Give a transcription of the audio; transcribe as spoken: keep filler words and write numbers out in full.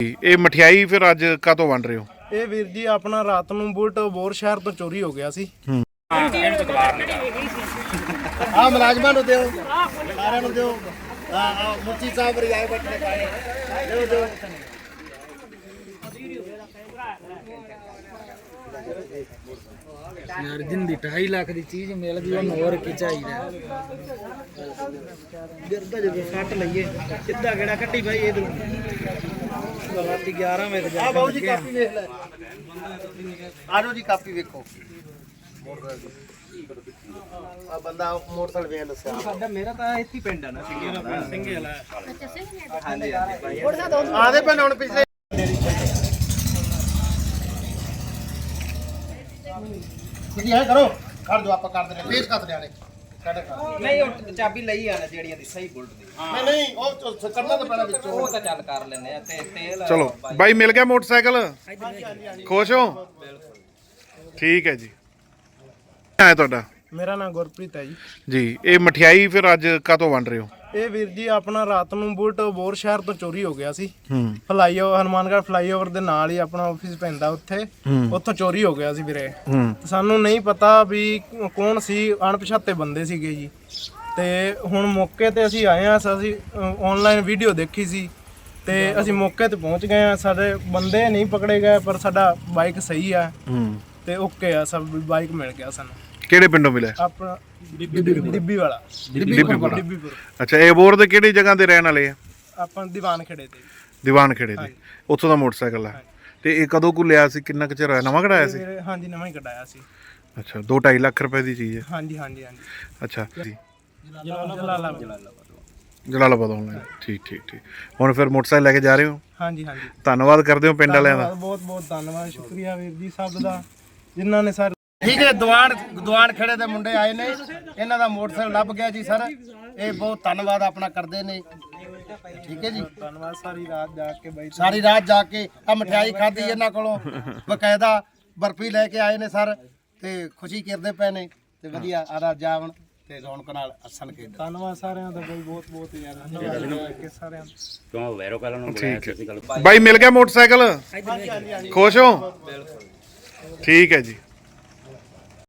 ਇਹ ਮਠਿਆਈ ਫਿਰ ਅੱਜ ਕਾਹਤੋਂ ਵੰਡ ਰਹੇ ਹੋ? ਇਹ ਵੀਰ ਜੀ ਆਪਣਾ ਰਾਤ ਨੂੰ ਬੁਲਟ ਬੋਰ ਸ਼ਹਿਰ ਤੋਂ ਚੋਰੀ ਹੋ ਗਿਆ ਸੀ। ਆ ਮੁਲਾਜ਼ਮਾਂ ਨੂੰ ਦਿਓ, ਸਾਰਿਆਂ ਨੂੰ ਦਿਓ। ਆ ਆ ਮੁੱਤੀ ਸਾਹਿਬ ਰਿਆਏ ਬੈਠੇ ਪਾਏ ਦਿਓ ਦਿਓ। यार जिंदी ढाई लाख की चीज मिल गई और और की चाहिए गिरदा जब सट लईए सीधा गेड़ा कट्टी भाई इधर रात ग्यारह बजे आ बाबू जी कापी देख ले आ जाओ जी कापी देखो आ बंदा मोटरसाइकिल वे दसया साडा मेरा तो इत्ती पिंड है ना सिंगे वाला सिंगे वाला अच्छा सिंगे हां जी भाई आदे पे हुन पिछले जी है करो कर दो आप कर दे पेश कर देने नहीं ਉਹ ਚਾਬੀ ਲਈ ਆ ਜਿਹੜੀਆਂ ਦੀ ਸਹੀ ਬੁਲਟ ਦੀ नहीं नहीं ओ करना तो पहले विच ਉਹ ਤਾਂ ਚੱਲ ਕਰ ਲੈਨੇ ਆ ਤੇ ਤੇਲ ਚਲੋ ਬਾਈ ਮਿਲ ਗਿਆ ਮੋਟਰਸਾਈਕਲ, ਖੁਸ਼ ਹੋ? ਠੀਕ ਹੈ ਜੀ। ਹੈ ਤੁਹਾਡਾ? ਮੇਰਾ ਨਾਮ ਗੁਰਪ੍ਰੀਤ ਹੈ ਜੀ। ਜੀ ਇਹ ਮਠਿਆਈ ਫਿਰ ਅੱਜ ਕਾਹਤੋਂ ਵੰਡ ਰਹੇ ਹੋ? ਇਹ ਵੀਰ ਜੀ ਆਪਣਾ ਰਾਤ ਨੂੰ ਬੁਲਟ ਬੋਰ ਸ਼ਹਿਰ ਤੋਂ ਚੋਰੀ ਹੋ ਗਿਆ ਸੀ। ਹੂੰ ਫਲਾਈਓਵਰ ਹਨੂਮਾਨਗੜ੍ਹ ਫਲਾਈਓਵਰ ਦੇ ਨਾਲ ਹੀ ਆਪਣਾ ਆਫਿਸ ਪੈਂਦਾ ਉੱਥੇ, ਉੱਥੋਂ ਚੋਰੀ ਹੋ ਗਿਆ ਸੀ ਵੀਰੇ। ਹੂੰ ਤੇ ਸਾਨੂੰ ਨਹੀਂ ਪਤਾ ਵੀ ਕੌਣ ਸੀ, ਅਣਪਛਾਤੇ ਬੰਦੇ ਸੀਗੇ ਜੀ। ਤੇ ਹੁਣ ਮੌਕੇ ਤੇ ਅਸੀਂ ਆਏ ਆ, ਅਸੀਂ ਆਨਲਾਈਨ ਵੀਡੀਓ ਦੇਖੀ ਸੀ ਤੇ ਅਸੀਂ ਮੌਕੇ ਤੇ ਪਹੁੰਚ ਗਏ ਆ। ਸਾਡੇ ਬੰਦੇ ਨਹੀਂ ਪਕੜੇ ਗਏ ਪਰ ਸਾਡਾ ਬਾਈਕ ਸਹੀ ਆ ਹੂੰ ਤੇ ਓਕੇ ਆ, ਸਭ ਬਾਈਕ ਮਿਲ ਗਿਆ ਸਾਨੂੰ। ਕਿਹੜੇ ਪਿੰਡੋਂ ਮਿਲਿਆ? ਆਪਣਾ ਡਿੱਬੀ ਵਾਲਾ ਡਿੱਬੀਪੁਰ। ਡਿੱਬੀਪੁਰ। ਅੱਛਾ ਇਹ ਬੋਰ ਦੇ ਕਿਹੜੀ ਜਗ੍ਹਾ ਤੇ ਰਹਿਣ ਵਾਲੇ ਆ? ਆਪਾਂ ਦੀਵਾਨ ਖੇੜੇ ਤੇ। ਦੀਵਾਨ ਖੇੜੇ ਦੇ, ਉੱਥੋਂ ਦਾ ਮੋਟਰਸਾਈਕਲ ਆ। ਤੇ ਇਹ ਕਦੋਂ ਕੁ ਲਿਆ ਸੀ, ਕਿੰਨਾ ਕੁ ਚਿਰ ਹੋਇਆ? ਨਵਾਂ ਕਢਾਇਆ ਸੀ? ਵੀਰੇ ਹਾਂਜੀ ਨਵਾਂ ਹੀ ਕਢਾਇਆ ਸੀ। ਅੱਛਾ ਦੋ ਢਾਈ ਲੱਖ ਰੁਪਏ ਦੀ ਚੀਜ਼ ਹੈ। ਹਾਂਜੀ ਹਾਂਜੀ ਹਾਂਜੀ। ਅੱਛਾ ਜੀ ਜਲਾਲਾਬਾਦ। ਜਲਾਲਾਬਾਦ ਆਨਲਾਈਨ। ਠੀਕ ਠੀਕ ਠੀਕ। ਹੁਣ ਫਿਰ ਮੋਟਰਸਾਈਕਲ ਲੈ ਕੇ ਜਾ ਰਹੇ ਹੋ? ਹਾਂਜੀ ਹਾਂਜੀ। ਧੰਨਵਾਦ ਕਰਦੇ ਹੋ ਪਿੰਡ ਵਾਲਿਆਂ ਦਾ। ਬਹੁਤ ਬਹੁਤ ਧੰਨਵਾਦ, ਸ਼ੁਕਰੀਆ ਵੀਰ ਜੀ ਸਭ ਦਾ ਜਿਨ੍ਹਾਂ ਨੇ ਸਰ। ठीक है दीवान दीवान खड़े दे मुंडे आए ने इन्हां दा मोटरसाइकिल लभ गया जी सर। ये बहुत धन्यवाद अपना करदे ने। ठीक है जी ਧੰਨਵਾਦ। ਸਾਰੀ ਰਾਤ ਜਾ ਕੇ ਬਾਈ सारी रात जाके आ मठियाई खाधी इन्हां कोलों बकायदा बर्फी लेके आए ने सर ते खुशी करदे पे ने ते वधिया आदा जावन ते रौनक नाल हसन के। ਧੰਨਵਾਦ ਸਾਰਿਆਂ ਦਾ ਬਾਈ, ਬਹੁਤ ਬਹੁਤ ਯਾਰ ਧੰਨਵਾਦ ਕਿ ਸਾਰਿਆਂ ਦਾ। ਕਿਉਂ ਵੈਰੋ ਕਾਲਾਂ ਨੂੰ ਬੁਲਾਇਆ ਸੀ ਗੱਲ। ਬਾਈ ਮਿਲ ਗਿਆ ਮੋਟਰਸਾਈਕਲ, ਖੁਸ਼ ਹੋ? ਠੀਕ ਹੈ ਜੀ।